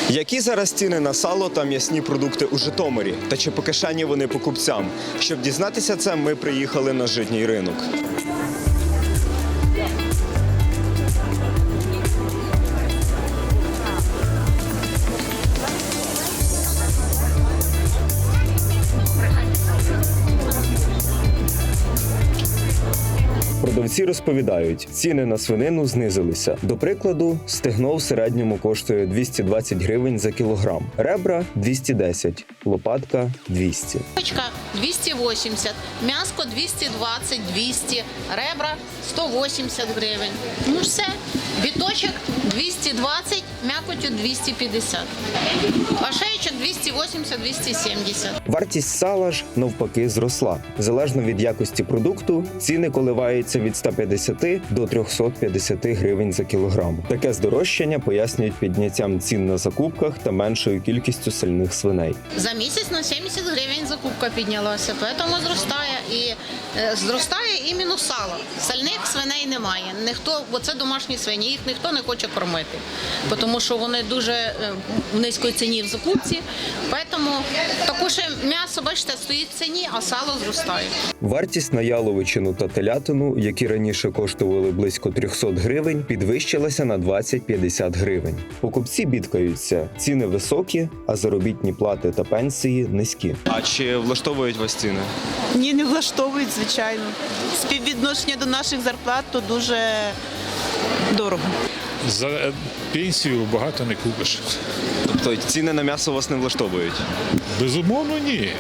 Які зараз ціни на сало та м'ясні продукти у Житомирі? Та чи по кишені вони покупцям? Щоб дізнатися це, ми приїхали на житній ринок. Продавці розповідають, ціни на свинину знизилися. До прикладу, стегно в середньому коштує 220 гривень за кілограм, ребра – 210, лопатка – 200. Пачка 280, м'яско 220-200, ребра 180 гривень. Ну все, біточок 220, м'якотю 250, а шеєчок 280-270. Вартість сала ж, навпаки, зросла. Залежно від якості продукту, ціни коливаються від 150 до 350 гривень за кілограм. Таке здорожчання пояснюють підняттям цін на закупках та меншою кількістю сальних свиней. За місяць на 70 гривень закупка піднялася, тому зростає. І зростає іменно сало. Сальних свиней немає. Ніхто, бо це домашні свині, їх ніхто не хоче кормити, тому що вони дуже в низькій ціні в закупці. Тому також м'ясо, бачите, стоїть в ціні, а сало зростає. Вартість на яловичину та телятину, які раніше коштували близько 300 гривень, підвищилася на 20-50 гривень. Покупці бідкаються, ціни високі, а заробітні плати та пенсії низькі. А чи влаштовують вас ціни? Ні, не влаштовують, звичайно. Співвідношення до наших зарплат то дуже дорого. За пенсію багато не купиш. Тобто ціни на м'ясо вас не влаштовують? Безумовно, ні.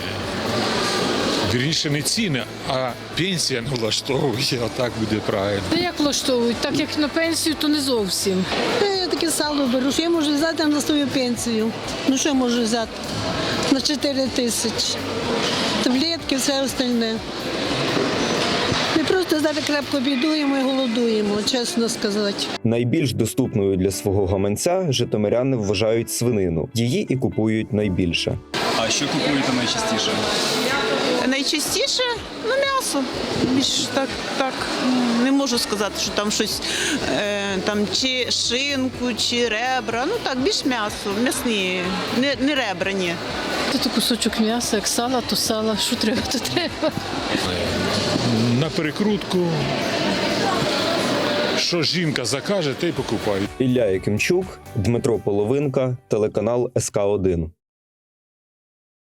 Вірніше не ціни, а пенсія не влаштовує, отак буде правильно. Як влаштовують? Так як на пенсію, то не зовсім. Я таке сало беру, що я можу взяти на свою пенсію. Ну що я можу взяти? На 4 тисячі. Таблетки, все остальне. Ми просто зараз крепко бідуємо і голодуємо, чесно сказати. Найбільш доступною для свого гаманця житомиряни вважають свинину. Її і купують найбільше. А що купуєте найчастіше? Найчастіше м'ясо. Більш так не можу сказати, що там щось там чи шинку, чи ребра. Ну так, більш м'ясо, м'ясні, не ребра, ні. Тут кусочок м'яса, як сала, то сала. Що треба, то треба. На перекрутку, що жінка закаже, те й покупають. Ілля Якимчук, Дмитро Половинка, телеканал СК1.